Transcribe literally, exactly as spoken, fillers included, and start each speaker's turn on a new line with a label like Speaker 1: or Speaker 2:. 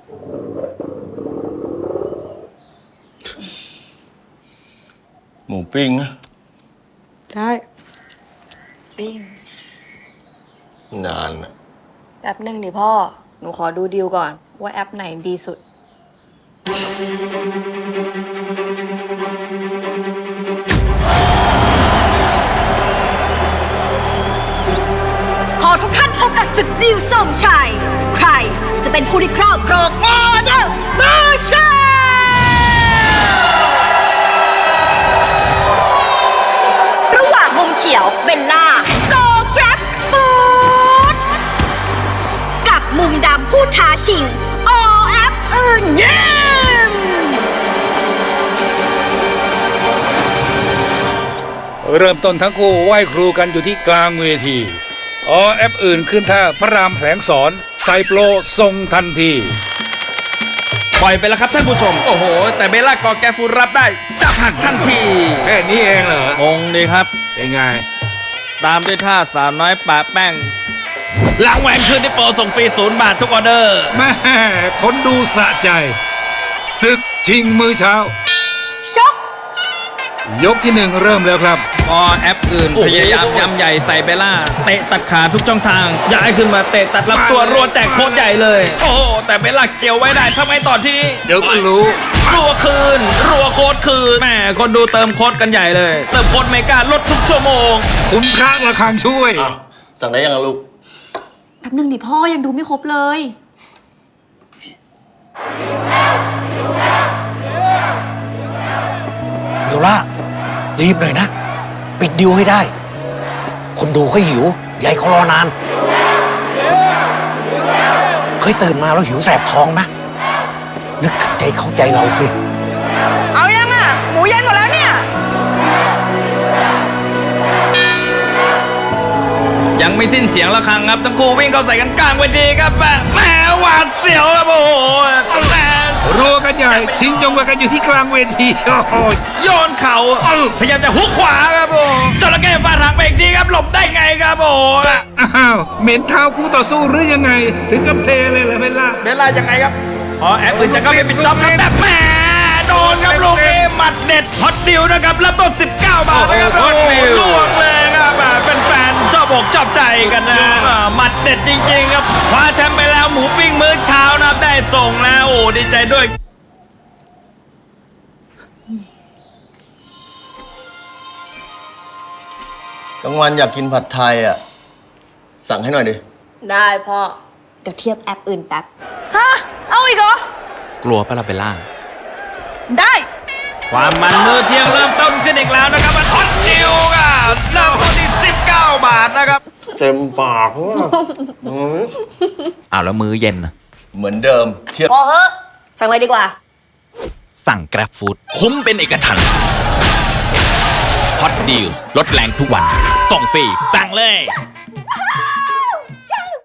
Speaker 1: หมูปิ้งนะ
Speaker 2: ได้ปิ้ง
Speaker 1: นานนะ
Speaker 2: แป๊บหนึ่งดิพ่อหนูขอดูดีลก่อนว่าแอปไหนดีสุดขอทุกท่านพบกับศึกดิวส่งชัยใครจะเป็นผู้ที่ครอบครองออเดอร์มาชาระหว่างมุมเขียวเบลล่าโกแกร็บฟูดกับมุมดำผู้ท้าชิงอแอปอื่นเยี่ยม
Speaker 3: เริ่มต้นทั้งคู่ไหว้ครูกันอยู่ที่กลางเวทีอ๋อแอปอื่นขึ้นท่าพระรามแผลงสอนใส่โปรทรงทันที
Speaker 4: ปล่อยไปแล้วครับท่านผู้ชมโอ้โหแต่เบลล่ากอแกฟูรับได้จับหักทันที
Speaker 3: แค่นี้เองเหรอง
Speaker 4: งดีครับ
Speaker 3: เป็นไง
Speaker 4: ตามด้วยท่าสาวน้อยปะแป้งหลังแหวนคืนที่โปรส่งฟรีศูนย์บาททุกออเดอร์
Speaker 3: แม่คนดูสะใจศึกชิงมื้อเช้า
Speaker 2: ชก
Speaker 3: ยกที่หนึ่งเริ่มแล้วครับ
Speaker 4: พอแอปอื่นพยายามยำใหญ่ใส่เบลล่าเตะตัดขาทุกช่องทางย้ายขึ้นมาเตะตัดลำตัวรัวแจกโคตรใหญ่เลยโอ้โหแต่เบลล่าเกี่ยวไว้ได้ทำไมต่อที่นี้
Speaker 3: เดี๋ยวก็รู้
Speaker 4: รัวคืนรัวโคตรคืนแม่คนดูเติมโคตรกันใหญ่เลยเติมโคตรเมกาลดทุกชั่วโมง
Speaker 3: คุ้มค่าราคาช่วย
Speaker 1: สั่งได้ยังลูก
Speaker 2: แป๊บนึงดิพ่อยังดูไม่ครบเลย
Speaker 5: เบลล่ารีบหน่อยนะปิดดิวให้ได้คนดูเขาหิวใหญ่เขารอนานเคยตื่นมาแล้วหิวแสบท้องไหมนึกใจเข้าใจเราสิ
Speaker 2: เอายังอ่ะหมูเย็นหมดแล้วเนี่ย
Speaker 4: ยังไม่สิ้นเสียงระฆังครับทั้งคู่วิ่งเข้าใส่กันกลางเวทีครับแหมหวาดเสียวครับโอ้โหแหม
Speaker 3: รัวกันใหญ่ชิงจงมากันอยู่ที่กลางเวทีโอ้
Speaker 4: โยนเข่าพยายามจะฮุกขวาครับโอ้จระเข้ฟาดหางไปอีกทีครับหลบได้ไงครับโอ้
Speaker 3: อ้าวเหม็นเท้าคู่ต่อสู้หรือยังไงถึงกับเซเลยเหรอเบลล่า
Speaker 4: เบลล่ายังไงครับอ๋อแอปอื่นจะเข้าไปปิดจ็อบครับแต่แหมโดนครับลูกนี้หมัดเด็ดฮอตดิวนะครับรับต้นสิบเก้าบาทนะครับโอ้ล่วงเลยครับแฟนๆชอบอกชอบใจกันนะหมัดเด็ดจริงๆครับคว้าแชมป์ไปแล้วหมูปิ้งมื้อเช้านะครับได้ส่งแล้วโอ้ดีใจด้วย
Speaker 1: กลางวันอยากกินผัดไทยอ่ะสั่งให้หน่อยดิ
Speaker 2: ได้พ่อเดี๋ยวเทียบแอปอื่นแป๊บฮะเอาอีกเหร
Speaker 4: อกลัวปะล่ะเบลล่า
Speaker 2: ได้
Speaker 4: ความมันมือเที่ยงเริ่มต้นขึ้นอีกแล้วนะครับมันฮอตนิวครับเริ่มต้นที่สิบเก้าบาทนะครับ
Speaker 1: เต็มปากว่ะ
Speaker 4: อ้าวแล้วมื้อเย็นนะ
Speaker 1: เหมือนเดิม
Speaker 2: เทียบพอเหอะสั่งเลยดีกว่า
Speaker 4: สั่ง Grab Food คุ้มเป็นเอกฉันท์ฮอตดีลลดแรงทุกวันส่งฟรีสั่งเลย